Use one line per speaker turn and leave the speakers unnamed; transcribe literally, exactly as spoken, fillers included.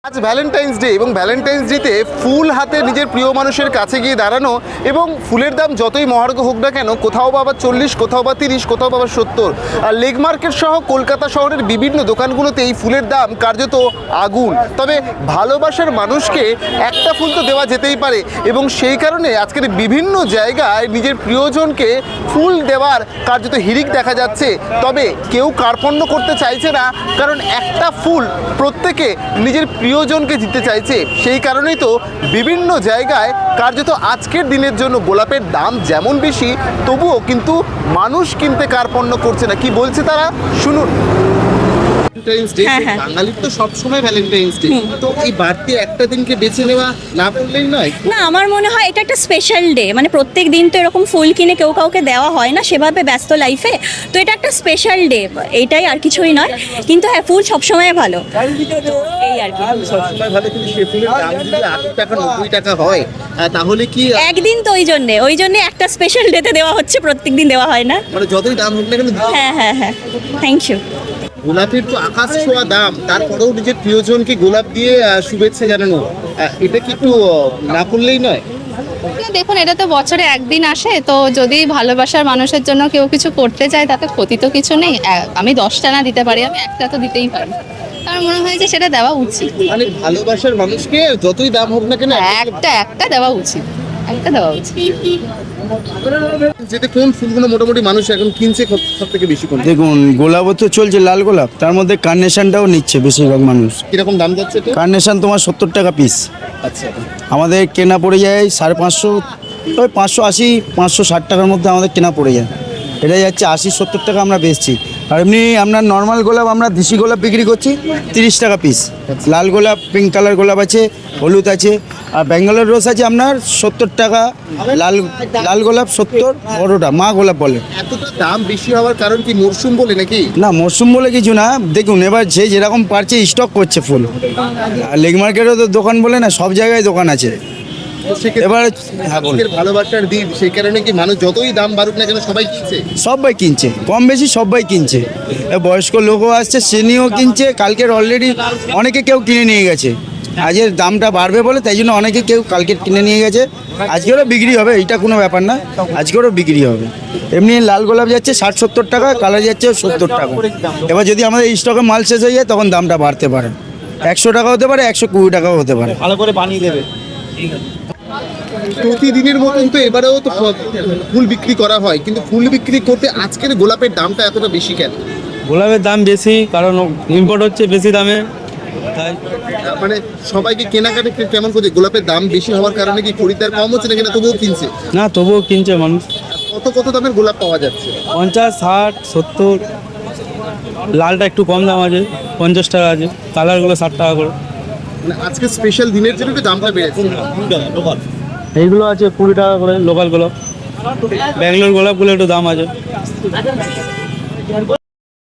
আজ Valentine's day এবং Valentine's ডেতে ফুল হাতে নিজের প্রিয় মানুষের কাছে গিয়ে দাঁড়ানো এবং ফুলের দাম যতই মহার্ঘ হোক না কেন, কোথাও বা আবার চল্লিশ, কোথাও বা তিরিশ, কোথাও বা আবার সত্তর। আর লেক মার্কেট সহ কলকাতা শহরের বিভিন্ন দোকানগুলোতে এই ফুলের দাম কার্যত আগুন। তবে ভালোবাসার মানুষকে একটা ফুল তো দেওয়া যেতেই পারে এবং সেই কারণে আজকের বিভিন্ন জায়গায় নিজের প্রিয়জনকে ফুল দেওয়ার কার্যত হিড়িক দেখা যাচ্ছে। তবে কেউ কার্পণ্য করতে চাইছে না, কারণ একটা ফুল প্রত্যেকে নিজের প্রিয়জনকে দিতে চাইছে। সেই কারণেই তো বিভিন্ন জায়গায় কার্যত আজকের দিনের জন্য গোলাপের দাম যেমন বেশি, তবুও কিন্তু মানুষ কিনতে কার্পণ্য করছে না। কি বলছে তারা শুনুন। বাঙালির তো সবসময় ভ্যালেন্টাইন্স ডে, তো এই বাড়তি একটা দিনকে বেছে নেওয়া না করলেই নয়।
না, আমার মনে হয় এটা একটা স্পেশাল ডে। মানে প্রত্যেক দিন তো এরকম ফুল কিনে কেউ কাউকে দেওয়া হয় না সেভাবে ব্যস্ত লাইফে, তো এটা একটা স্পেশাল ডে, এইটাই আর কিছুই নয়। কিন্তু হ্যাঁ, ফুল সবসময় ভালো, তো এই আর কি।
সবসময় ভালো, কিন্তু সে ফুলের দাম যদি আশি টাকা নব্বই টাকা হয় তাহলে কি
একদিন তো ওই জন্যে ওই জন্যে একটা স্পেশাল ডেতে দেওয়া হচ্ছে, প্রত্যেক দিন দেওয়া হয় না।
মানে যতই দাম হোক না কেন।
হ্যাঁ হ্যাঁ হ্যাঁ, থ্যাংক ইউ।
গোলাপের তো আকাশ ছোঁয়া দাম, তারপরেও নিজের প্রিয়জনকে গোলাপ দিয়ে শুভেচ্ছা জানানো, এটা কি একটু না করলেই নয়?
দেখুন, এটা তো বছরে একদিন আসে, তো যদি ভালোবাসার মানুষের জন্য কেউ কিছু করতে চায় তাতে ক্ষতি তো কিছু নেই। আমি দশটা না দিতে পারি, আমি একটা তো দিতেই পারি। আমার মনে হয় যে সেটা দেওয়া উচিত।
মানে ভালোবাসার মানুষকে যতই দাম হোক না কেন
একটা একটা দেওয়া উচিত, একটা দেওয়া উচিত।
যেতে কোন ফুলগুলো মোটামুটি মানুষ এখন কিনছে সব থেকে বেশি? কোন?
দেখুন, গোলাপও তো চলছে, লাল গোলাপ, তার মধ্যে কার্নেশনটাও নিচ্ছে বেশিরভাগ মানুষ।
কিরকম দাম যাচ্ছে এটা?
কার্নেশন তোমার সত্তর টাকা পিস।
আচ্ছা,
আমাদের কেনা পড়ে যায় সাড়ে পাঁচশো, ওই পাঁচশো আশি পাঁচশো ষাট টাকার মধ্যে আমাদের কেনা পড়ে যায়। এটা যাচ্ছে আশি সত্তর টাকা আমরা বেচছি। আর এমনি আপনার নর্মাল গোলাপ আমরা দেশি গোলাপ বিক্রি করছি তিরিশ টাকা পিস। লাল গোলাপ, পিঙ্ক কালার গোলাপ আছে, হলুদ আছে, আর ব্যাঙ্গালোর রোজ আছে আপনার সত্তর টাকা। লাল লাল গোলাপ সত্তর, বড়োটা মা গোলাপ বলে।
এতটা দাম বেশি হওয়ার কারণ কি মরশুম বলে নাকি?
না, মরশুম বলে কিছু না। দেখুন, এবার যে যেরকম পারছে স্টক করছে ফুল। আর লেক মার্কেটও তো দোকান বলে না, সব জায়গায় দোকান আছে। এবার হ্যাঁ, বলুন।
ভালোবাসার দিন, সেই কারণে কি মানুষ যতই দাম বাড়ুক না কেন সবাই কিনছে?
সবাই কিনছে, কম বেশি সবাই কিনছে। এ বয়স্ক লোকও আসছে, সেনিও কিনছে। কালকের অলরেডি অনেকে কেউ কিনে নিয়ে গেছে। আজের দামটা বাড়বে বলে তাই জন্য অনেকে কেউ কালকে কিনে নিয়ে গেছে। আজকেরও বিক্রি হবে, এইটা কোনো ব্যাপার না, আজকেরও বিক্রি হবে। এমনি লাল গোলাপ যাচ্ছে ষাট সত্তর টাকা, কালার যাচ্ছে সত্তর টাকা। এবার যদি আমাদের স্টকে মাল শেষ হয়ে যায় তখন দামটা বাড়তে পারে, একশো টাকা হতে পারে, একশো কুড়ি টাকাও হতে পারে।
ভালো করে বানিয়ে দেবে। প্রতিদিনের মতন তো এবারেও তো ফুল বিক্রি করা হয়, কিন্তু ফুল বিক্রি করতে আজকের গোলাপের দামটা এতটা বেশি কেন?
গোলাপের দাম বেশি কারণ ইম্পোর্ট হচ্ছে বেশি দামে, তাই।
মানে সবাইকে কেনাকাটা কেমন করছে? গোলাপের দাম বেশি হওয়ার কারণে কি খরিদ্দার কম হচ্ছে না কিনা তবুও কিনছে?
না, তবুও কিনছে মানুষ।
কত কত দামের গোলাপ পাওয়া যাচ্ছে?
পঞ্চাশ, ষাট, সত্তর। লালটা একটু কম দাম আছে, পঞ্চাশ টাকা আছে। কালারগুলো ষাট টাকা করে।
মানে আজকে স্পেশাল দিনের জন্য একটু দামটা বেড়েছে।
এইগুলো আছে কুড়ি টাকা করে লোকাল গোলাপ। ব্যাঙ্গালোর গোলাপগুলো একটু দাম আছে।